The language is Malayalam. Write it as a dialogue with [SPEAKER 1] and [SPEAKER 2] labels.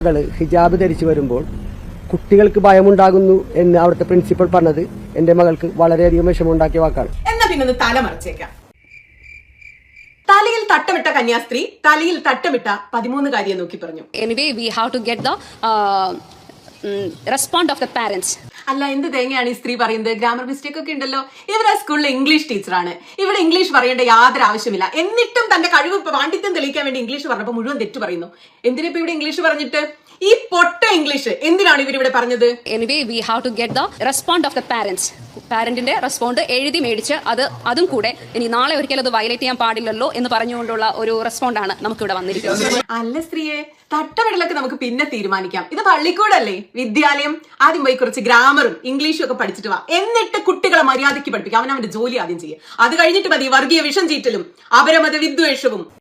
[SPEAKER 1] ഹിജാബ് ധരിച്ചു വരുമ്പോൾ കുട്ടികൾക്ക് ഭയമുണ്ടാകുന്നു എന്ന് അവിടുത്തെ പ്രിൻസിപ്പൽ പറഞ്ഞത് എന്റെ മകൾക്ക് വളരെയധികം വിഷമമുണ്ടാക്കിയ വാക്കാണ്.
[SPEAKER 2] എന്നാ പിന്നെ തല മറിച്ചേക്കാം. തലയിൽ തട്ടമിട്ട കന്യാസ്ത്രീ തലയിൽ തട്ടമിട്ട 13 കാര്യം നോക്കി പറഞ്ഞു.
[SPEAKER 3] Anyway, we have to get the response of the parents.
[SPEAKER 2] അല്ല, എന്ത് തേങ്ങയാണ് ഈ സ്ത്രീ പറയുന്നത്? ഗ്രാമർ മിസ്റ്റേക്ക് ഒക്കെ ഉണ്ടല്ലോ. ഇവരെ സ്കൂളിലെ ഇംഗ്ലീഷ് ടീച്ചറാണ്. ഇവിടെ ഇംഗ്ലീഷ് പറയേണ്ട യാതൊരു ആവശ്യമില്ല. എന്നിട്ടും തന്റെ കഴിവ് പാണ്ഡിത്യം തെളിയിക്കാൻ വേണ്ടി ഇംഗ്ലീഷ് പറഞ്ഞപ്പോൾ മുഴുവൻ തെറ്റ് പറയുന്നു. എന്തിനാ ഇപ്പൊ ഇവിടെ ഇംഗ്ലീഷ് പറഞ്ഞിട്ട്? ഈ പൊട്ട ഇംഗ്ലീഷ് എന്തിനാണ് ഇവരിവിടെ പറഞ്ഞത്?
[SPEAKER 3] Anyway, we have to get the response of the parents. പാരന്റിന്റെ റെസ്പോണ്ട് എഴുതി മേടിച്ച് അതും കൂടെ ഇനി നാളെ ഒരിക്കലും അത് വയലേറ്റ് ചെയ്യാൻ പാടില്ലല്ലോ എന്ന് പറഞ്ഞുകൊണ്ടുള്ള ഒരു റെസ്പോണ്ടാണ് നമുക്കിവിടെ വന്നിരിക്കുന്നത്.
[SPEAKER 2] അല്ല സ്ത്രീയെ, തട്ടമിടലൊക്കെ നമുക്ക് പിന്നെ തീരുമാനിക്കാം. ഇത് പള്ളിക്കൂടല്ലേ, വിദ്യാലയം. ആദ്യം പോയി കുറച്ച് ഗ്രാമറും ഇംഗ്ലീഷും ഒക്കെ പഠിച്ചിട്ട് വാ. എന്നിട്ട് കുട്ടികളെ മര്യാദയ്ക്ക് പഠിപ്പിക്കാം. അവനവന്റെ ജോലി ആദ്യം ചെയ്യുക. അത് കഴിഞ്ഞിട്ട് മതി വർഗീയ വിഷം ചീറ്റലും അപരമത വിദ്വേഷവും.